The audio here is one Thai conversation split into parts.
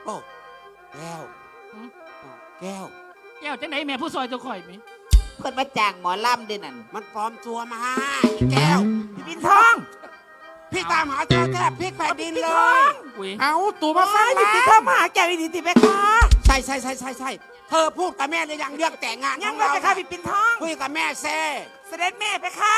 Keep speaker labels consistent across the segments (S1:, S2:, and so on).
S1: โอ้แก้วแก้ว
S2: แก้วจังไหนแม่ผู้ซอยจะคอยมั้ย
S3: เพิ่นมาจ้างหมอลำด้วยนั่น
S1: มันปลอมตัวมาแก้วพี่ปิ่นทองพี่ตามหาเธอแทบพลิกแผ่นดินเลย
S4: เอาตัวมาฟังละ
S3: พี่เข้ามาหาแก้วอีนี่ติไปค่ะ
S1: ใช่เธอพูดกับแม่หรือยังเรื่องแต่งงาน
S3: ยังเลยไปค่ะพี่ปิ่นทอง
S1: คุยกับแม่เซ่
S3: เสด็จแม่ไปค่ะ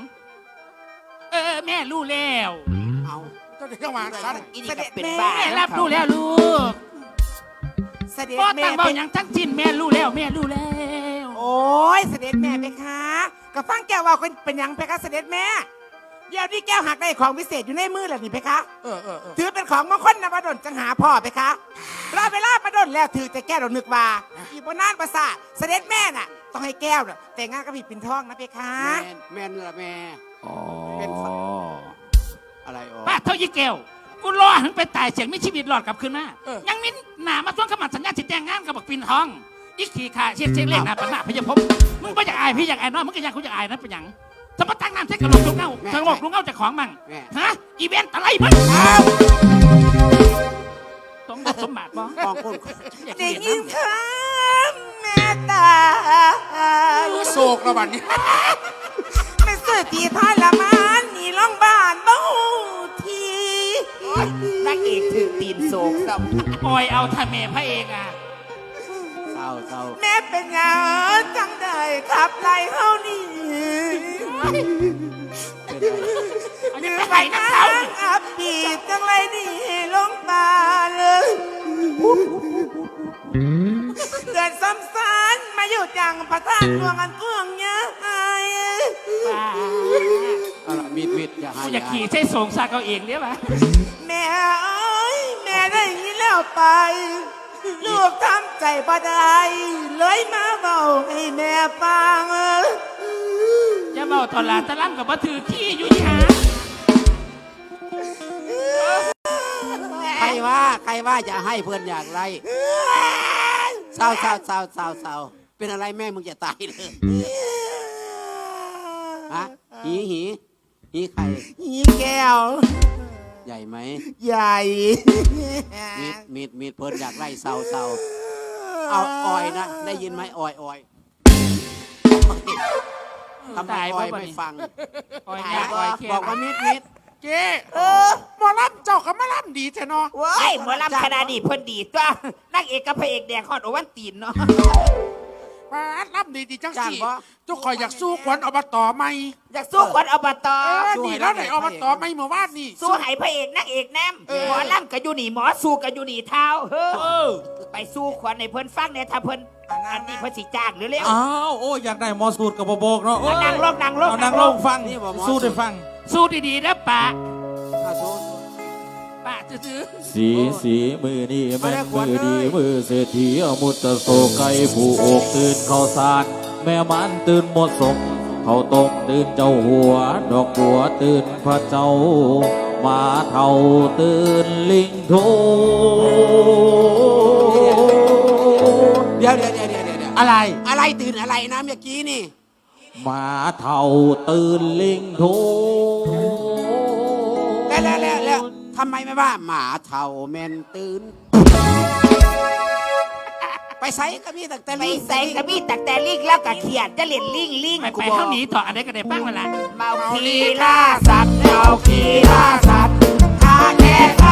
S2: แม่รู้แล้ว
S1: เอา
S4: เจ้าเด็กเข้ามาสั้น
S3: เสด็จแม่
S2: รับรู้แล้วลูก
S3: เสด็จ
S2: แม่เป็นอย่างทั้งสิ้นแม่รู้แล้ว
S3: โอ้ยเสด็จแม่ไปค่ะก็ฟังแก้วว่าเป็นอย่างไปค่ะเสด็จแม่เดี๋ยวนี้แก้วหักได้ของพิเศษอยู่ในมือแล้วนี่เพคะถือเป็นของมงคลนวดลจังหาพ่อเพคะรอเวลามาดนแล้วถือจะแก้วเรานึกว่าอีบนน่านประสาทเสด็จแม่น่ะต้องให้แก้วน่ะแต่งงานกับพี่ปิ่นทองนะเพคะ
S1: แม่นละแม่
S2: เป็น
S1: อะไร
S2: ป้าเท่ายี่แก้วกูรอถึงไปตายเสียงไม่ชีวิตรอดกลับคืนมายังมีหนามาทวงคำมั่นสัญญาที่แต่งงานกับบักปิ่นทองอีกขี่ขาเชียงเล่นนะปัญหาพยาพมมึงไม่อยากอายพี่อยากอายน้อยมึงก็อยากกูอยากอายนะเป็นอย่างสมมติตั้งน้ำใช้กระโหลกลุงเงาเธอบอกลุงเงาจากของมั่งฮะอีเวนต์อะไรมึงต้องสมบัติบ้
S1: องคน
S3: ได้ยินคำแม่ตา
S4: โศกระบาดนี้
S3: ไม่สื่อทีทอยละมันนี่ล่องบ้านบ้าทีนางเอกถือตีนโศกซ้
S2: ำปล่อยเอาท่าแม่พระเอกอ่ะ
S1: เศร้า
S3: แม่เป็นยังจังได้ขับไล่เฮานี่
S2: เนื้อไปนะเขา
S3: อับปีจังไรนี่ลงมาเลยเดินซ้ำซ้อนมาอยู่จังพระธาตุหลวงอันกว้างใหญ่
S1: มิด
S2: อย่าขี่ใช้สงสารเขาเองเนี่ยป่ะ
S3: แม่เอ้ยแม่ได้ยินแล้วไปลูกทำใจบ่ได้เลยมาเบาให้แม่ฟัง
S2: จะเบาตอนหลานตะล่ำกับมาถือขี้อยู่ยา
S1: ใครว่าจะให้เพื่อนอยากไรเศร้าเป็นอะไรแม่มึงจะตายเลยฮะหีใคร
S3: หีแก้ว
S1: ใหญ่ไหม
S3: ใหญ่
S1: มีดเพิ่นอยากไล่เศร้าเอาออยนะได้ยินไหมออยทำไมออยไม่ฟังบอกว่ามิด
S4: เจ๊หมอลำเจ้ากับมาลำดีแท้เนาะ
S3: ว้ายหมอลำขนาดนี้เพิ่นดีตัวนักเอกกับพระเอกแดงฮอดโอวันตีนเนาะ
S4: มาลำดีจังสิเจ้าคอยอยากสู้ขวัญอบตไหม
S3: อยากสู้ขวัญอบต
S4: ดีแล้วไหนอบตไหมเมื่อวานนี่
S3: สู้ให้พระเอกนักเอกแนมหมอลำกับยูนี่หมอสู้กับยูนี่เท้าไปสู้ขวัญในเพิ่นฟังเนี่ยถ้าเพิ่นอันนี้เพิ่นสิจ้างหรือเร็ว
S5: อ้าวโอ้อยากได้หมอสูตรกับโบกเนาะ
S3: นั่งลง
S5: ฟังสู้ได้ฟัง
S2: สู้ดีๆนะป้าซื้อ
S5: สีมือนี่แม่มือดีมือเศรษฐีอมุตโสไก่ผู้อกตื่นข้าวสารแม่มันตื่นหมดสมเขาต้มตื่นเจ้าหัวดอกบัวตื่นพระเจ้ามาเท่าตื่นลิงโท
S1: เดี๋ยวอะไรตื่นอะไรนะเมื่อกี้นี่
S5: มาเท่าตื่นลิงโท
S1: แล้วทำไมไม่ว่าหมาเท่าแมนตื่นไปใส่กระบี่ตักแต่
S3: ลิงแล้วก็เขียดจะเล่นลิง
S2: ไปเท่านี้ต่ออะไรก็ได้บ้างเวลา
S3: เมาคีล่าสัตว์ข้าแก่